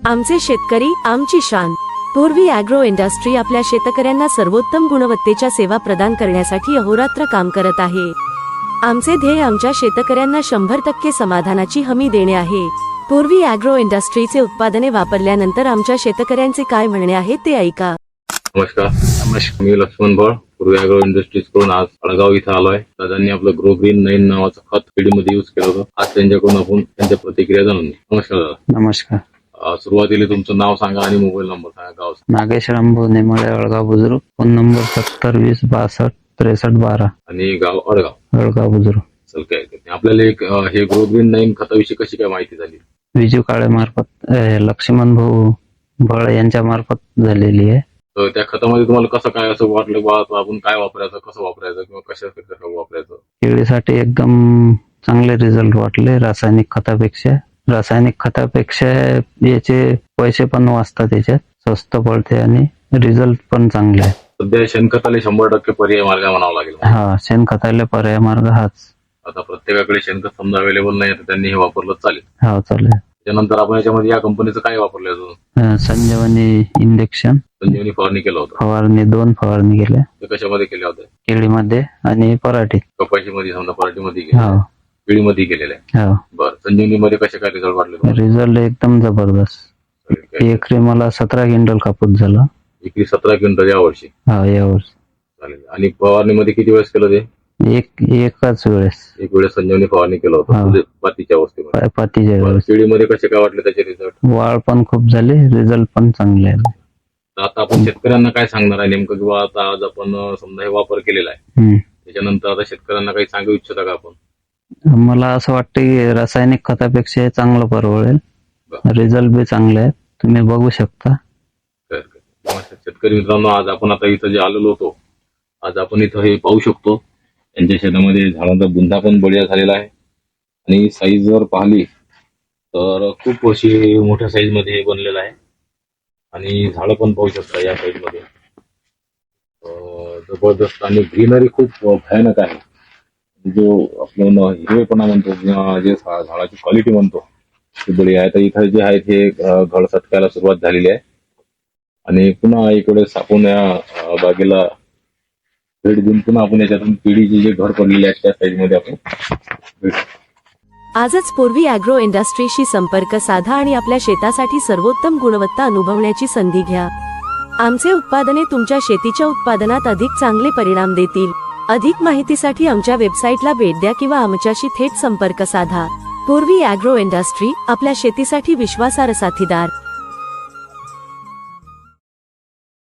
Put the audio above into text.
आमचे शेतकरी आमची शान। पूर्वी ॲग्रो इंडस्ट्री आपल्या शेतकऱ्यांना सर्वोत्तम गुणवत्तेच्या सेवा प्रदान करण्यासाठी अहोरात्र काम करत आहे। आमचे ध्येय आमच्या शेतकऱ्यांना 100% समाधानाची हमी देणे आहे। पूर्वी ॲग्रो इंडस्ट्रीचे उत्पादने वापरल्यानंतर आमच्या शेतकऱ्यांचे काय म्हणणे आहे ते ऐका। नमस्कार, मी लक्ष्मण भळ, पूर्वी ॲग्रो इंडस्ट्रीज कडून आज अळगाव इथं आलोय। दादांनी आपलं ग्रो ग्रीन 9 नावाचं खत पिढीमध्ये यूज केलं होतं। आज त्यांच्याकडून आपण त्यांच्या प्रतिक्रिया जाणून घेऊ। नमस्कार दादा। नमस्कार। सुरुवातीला तुमचं नाव सांगा आणि मोबाईल नंबर सांगा। गाव नागेश रामभाऊ नेमाळे, अळगाव बुजुर्ग, फोन नंबर 7020626312 आणि गाव अळगाव बुजुर्ग। चल काय आपल्याला एक हे ग्रो ग्रीन 9 खताविषयी कशी काय माहिती झाली? विजू काळे मार्फत, लक्ष्मण भाऊ भळ यांच्या मार्फत झालेली आहे। तर त्या खतामध्ये तुम्हाला कसं काय असं वाटलं बा आपण काय वापरायचं, कसं वापरायचं किंवा कसं वापरायचं? केळीसाठी एकदम चांगले रिझल्ट वाटले। रासायनिक खतापेक्षा याचे पैसे पण वाचतात, त्याच्यात स्वस्त पडते आणि रिझल्ट पण चांगले आहे। सध्या शेणखताला 100% पर्याय मार्ग म्हणावा लागेल। हा, शेणखताला पर्याय मार्ग हाच। आता प्रत्येकाकडे शेणखत समजा अवेलेबल नाही तर त्यांनी हे वापरलं चालेल? हा, चालेल। त्यानंतर आपण याच्यामध्ये या कंपनीचं काय वापरलं अजून? संजीवनी इंजेक्शन, संजीवनी फवारणी केलं होतं। फवारणी 2 फवारणी केल्या। ते कशामध्ये केल्या होत्या? केळीमध्ये आणि पराठीत। कपाशीमध्ये समजा पराठीमध्ये केल्या, केळीमध्ये केलेल्या आहे। बरं, संजीवनी मध्ये कसे काय रिझल्ट वाटले? रिझल्ट एकदम जबरदस्त। एकरी मला 17 क्विंटल कापूस झाला। एकरी 17 क्विंटल यावर्षी? हा, यावर्षी। चालेल। आणि फवारणीमध्ये किती वेळेस केलं ते? एकाच वेळेस। एक वेळेस संजीवनी फवारणी केलं होतं पातीच्या अवस्थेमध्ये? पातीच्या वेळेस। केळीमध्ये कसे काय वाटले त्याचे रिझल्ट? वाढ पण खूप झाली, रिझल्ट पण चांगले आहे। आता आपण शेतकऱ्यांना काय सांगणार आहे नेमकं, किंवा आता आज आपण समजा हे वापर केलेला आहे त्याच्यानंतर आता शेतकऱ्यांना काही सांगू इच्छिता का आपण? मला असं वाटतं की रासायनिक खतापेक्षा चांगलं परवडेल, रिझल्ट बी चांगले आहेत, तुम्ही बघू शकता। शेतकरी मित्रांनो, आज आपण आता इथं जे आलेलो होतो, आज आपण इथं हे पाहू शकतो त्यांच्या शेतामध्ये झाडांचा बुंदा पण बढिया झालेला आहे आणि साईज जर पाहिली तर खूप अशी मोठ्या साईज मध्ये हे बनलेलं आहे आणि झाडं पण पाहू शकता या साईज मध्ये जबरदस्त आणि ग्रीनरी खूप भयानक आहे। जो आपण हिरवेपणा म्हणतो किंवा जे झाडाची क्वालिटी म्हणतो ती बढिया आहे। तर इथं जे आहे ते घड सटकायला सुरुवात झालेली आहे आणि पुन्हा इकडे आपण या बागेला भेट देऊन पुन्हा आपण याच्यातून पिढीचे जे घर पडलेले आहेत त्या साईज मध्ये आपण आजच पूर्वी ॲग्रो इंडस्ट्रीशी संपर्क साधा आणि आपल्या शेतासाठी सर्वोत्तम गुणवत्ता अनुभवण्याची संधी घ्या। आमचे उत्पादने तुमच्या शेतीच्या उत्पादनात अधिक चांगले परिणाम देतील। अधिक माहितीसाठी आमच्या वेबसाईटला भेट द्या किंवा आमच्याशी थेट संपर्क साधा। पूर्वी ॲग्रो इंडस्ट्री, आपल्या शेतीसाठी विश्वासार्ह साथीदार।